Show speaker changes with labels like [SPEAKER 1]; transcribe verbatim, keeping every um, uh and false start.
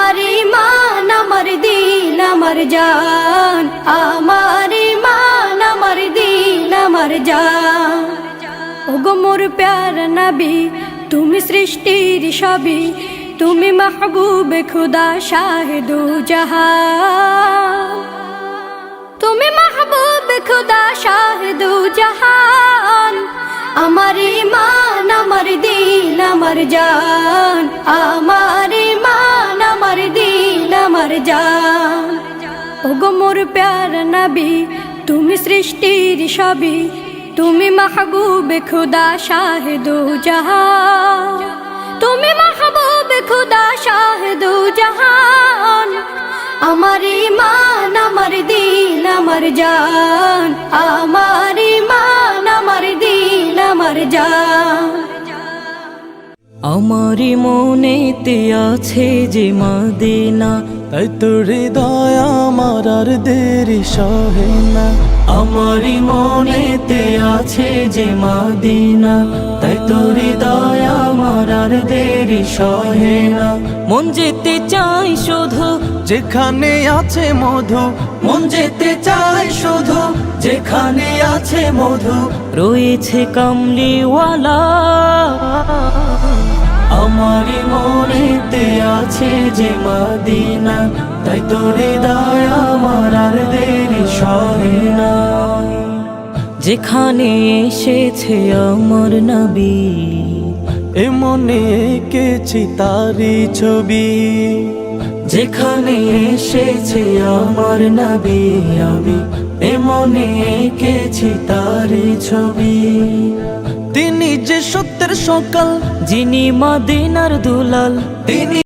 [SPEAKER 1] আমার ঈমান আমার দিন আমার জান, আমার ঈমান আমার দিন আমার জান। ওগো মোর প্যারা নবী, তুমি সৃষ্টির সবই, তুমি মাহবুবে খুদা শাহিদু জাহান, তুমি মাহবুবে খুদা শাহিদু জাহান। আমার ঈমান আমার দিন আমার জান, আমার ঈমান আমার দিন আমার জান। ওগো মোর প্যারা নবী, তুমি সৃষ্টির সবই, তুমি মাহবুবে খুদা শাহিদু জাহান, তুমি মাহবুবে খুদা শাহিদু জাহান। আমার ঈমান আমার দিন আমার জান, আমার ঈমান আমার দিন আমার জান।
[SPEAKER 2] আমারি মনেতে আছে যে মদিনা,
[SPEAKER 3] তাই তোর হৃদয় আমার আর দেরি সহে না।
[SPEAKER 2] আমারি মনেতে আছে যে মদিনা, তাই তোর হৃদয় আমার আর দেরি সহে না। মন যেতে চাই শুধু
[SPEAKER 3] যেখানে আছে মধু,
[SPEAKER 2] মন যেতে চাই শুধু যেখানে আছে মধু, রয়েছে কামলিওয়ালা। আমারি মনেতে আছে যে মদিনা, তাই তোর হৃদয় আমার আর দেরি সহে না। যেখানে এসেছে আমার নবী,
[SPEAKER 3] এ মনে এঁকেছি তারি ছবি।
[SPEAKER 2] যেখানে এসেছে আমার নবী, আমি এ মনে এঁকেছি তারি ছবি।
[SPEAKER 3] তিনি যে সত্যের সকাল,
[SPEAKER 2] যিনি মদিনার দুলাল, তিনি